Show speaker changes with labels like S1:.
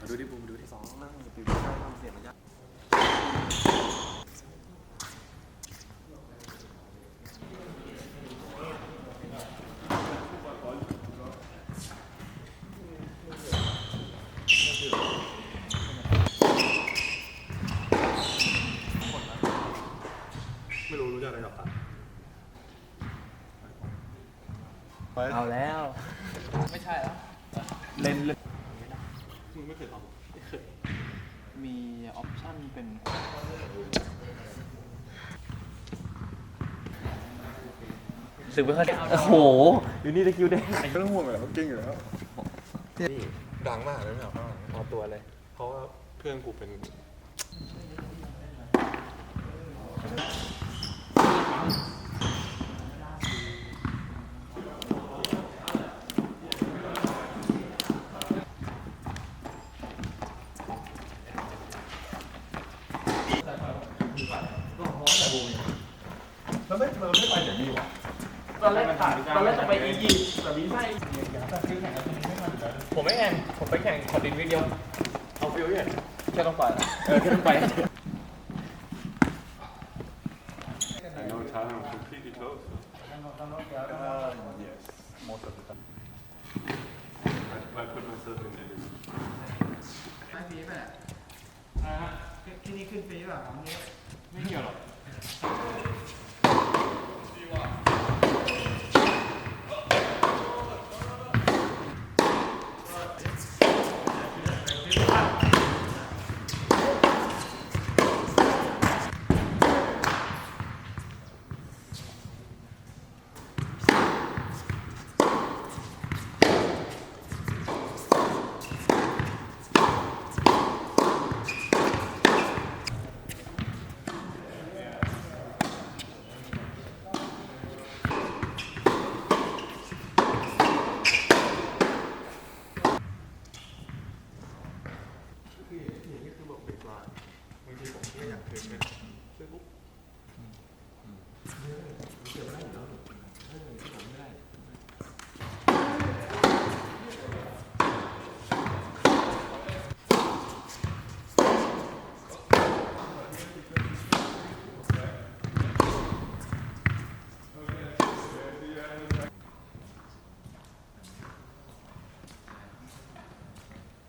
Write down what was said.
S1: ดูดิบูมดูดิ2นั่งตื่นได้ทำเสียงมันยากไม่รู้จักอะไรกับตัน
S2: เอาแล้วไม่ใช่แล้วเล่น
S1: มึงไม่เคยทำ
S2: ไม่เคยมีออปชั่นเป็นสึกไม่ค่อยโอ้โหอยู่นี่ตะคิวได้
S1: ไม่ต้องห่วงเลยเขาเก่งอยู่แล้วนี่ดังมากเลยไม่เอาข้างหลัง
S2: เอาตัวเลย
S1: เพราะว่าเพื่อนกูเป็นเราไม่ไปอย่างนี้วะ
S2: ตอนแรกจะไปอียิปต์แต่วีซ่าผมไม่แข่งผมไปแข่งขอดินวิดีโอ
S1: เอาฟิวเนี่ย
S2: แค่ต้องไปแค่ต้องไป
S1: I know Thailand was completely closed. Yes, most of the time. I put myself in it.
S3: ไม่ฟรีป่ะที่นี่ขึ้นฟรีป่ะของนี้
S1: ไม่เกี่ยวหรอก